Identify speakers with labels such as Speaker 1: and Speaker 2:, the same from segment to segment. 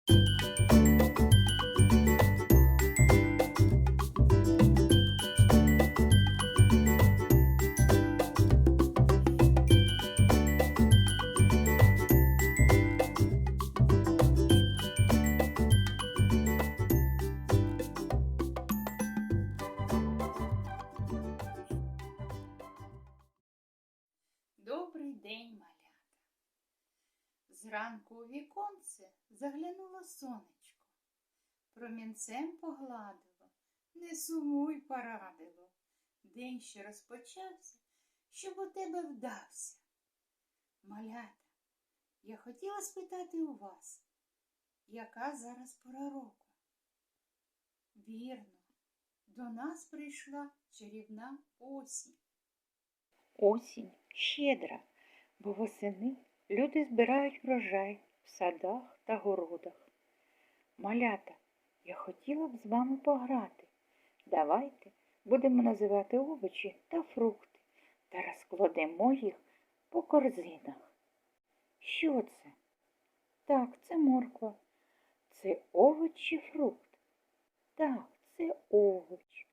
Speaker 1: Добрий день, малята! Зранку у віконце заглянуло сонечко, промінцем погладило, не сумуй порадило. День ще розпочався, щоб у тебе вдався. Малята, я хотіла спитати у вас, яка зараз пора року? Вірно, до нас прийшла чарівна осінь.
Speaker 2: Осінь щедра, бо восени люди збирають врожай в садах та городах. Малята, я хотіла б з вами пограти. Давайте будемо називати овочі та фрукти та розкладемо їх по корзинах. Що це? Так, це морква. Це овоч чи фрукт? Так, це овоч.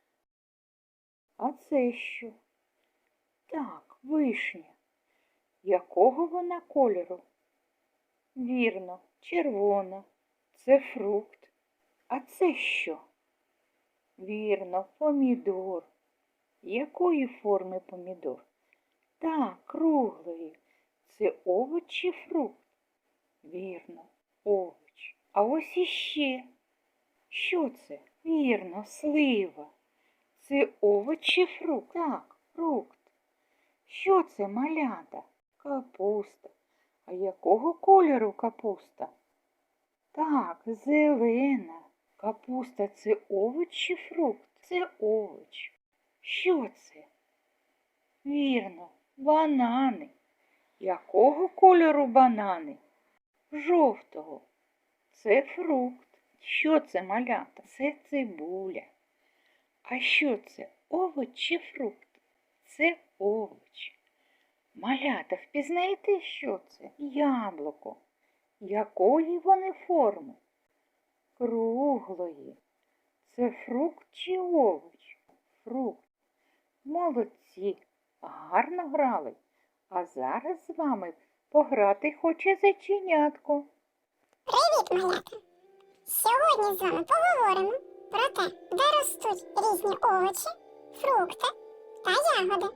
Speaker 2: А це що? Так, вишня. Якого вона кольору? Вірно, червона. Це фрукт. А це що? Вірно, помідор. Якої форми помідор? Так, круглої. Це овоч чи фрукт? Вірно, овоч. А ось іще. Що це? Вірно, слива. Це овоч чи фрукт? Так, фрукт. Що це, малята? Капуста. А якого кольору капуста? Так, зелена. Капуста – це овоч чи фрукт? Це овоч. Що це? Вірно, банани. Якого кольору банани? Жовтого. Це фрукт. Що це, малята? Це цибуля. А що це, овоч чи фрукт? Це овоч. Малята, впізнаєте, що це? Яблуко. Якої вони форми? Круглої. Це фрукт чи овоч? Фрукт. Молодці, гарно грали. А зараз з вами пограти хоче зайченятко.
Speaker 3: Привіт, малята! Сьогодні з вами поговоримо про те, де ростуть різні овочі, фрукти та ягоди.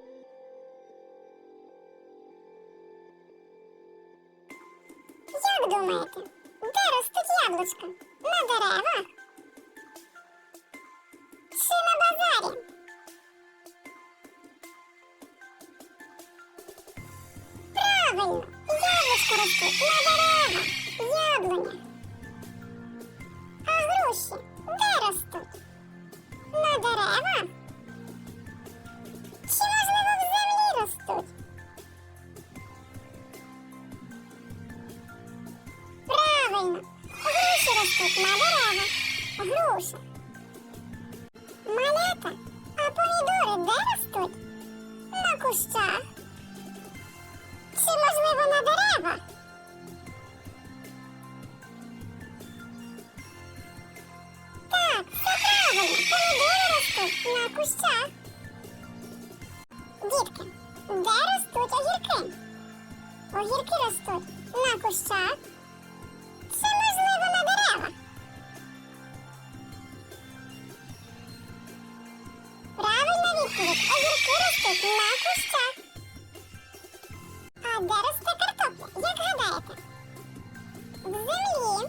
Speaker 3: Як думаєте, де ростуть яблучка? На деревах? Чи на базарі? Правильно, яблучка ростуть на деревах, яблунях. А груші де ростуть? На деревах? Чи, можливо, в землі ростуть? Правильно, груші ростуть на деревах. Груша. Малята, а помідори де ростуть? На кущах. Чи, можливо, на деревах? Так, все правильно, помідори ростуть на кущах. Дітки, де ростуть огірки? Огірки ростуть на кущах. Чи, можливо, на деревах? Правильна відповідь. Огірки ростуть на кущах. А де росте картопля? Як гадаєте? В землі.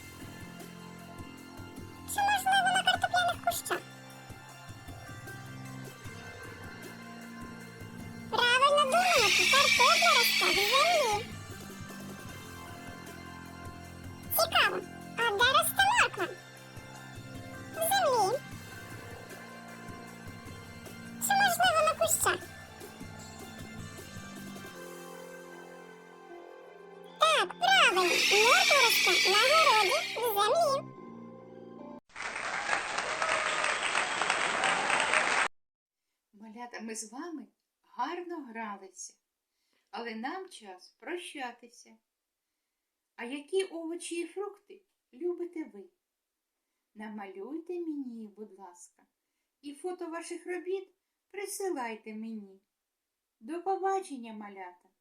Speaker 3: Чи, можливо, на картопляних кущах? Правильно думаєте, картопля росте в землі. Цікаво, а де росте морква? В землі. Чи, можливо, на кущах? Так, правильно, морква росте на городі в землі.
Speaker 1: Малята, ми з вами гарно гралися, але нам час прощатися. А які овочі і фрукти намалюйте мені їх, будь ласка, і фото ваших робіт присилайте мені. До побачення, малята!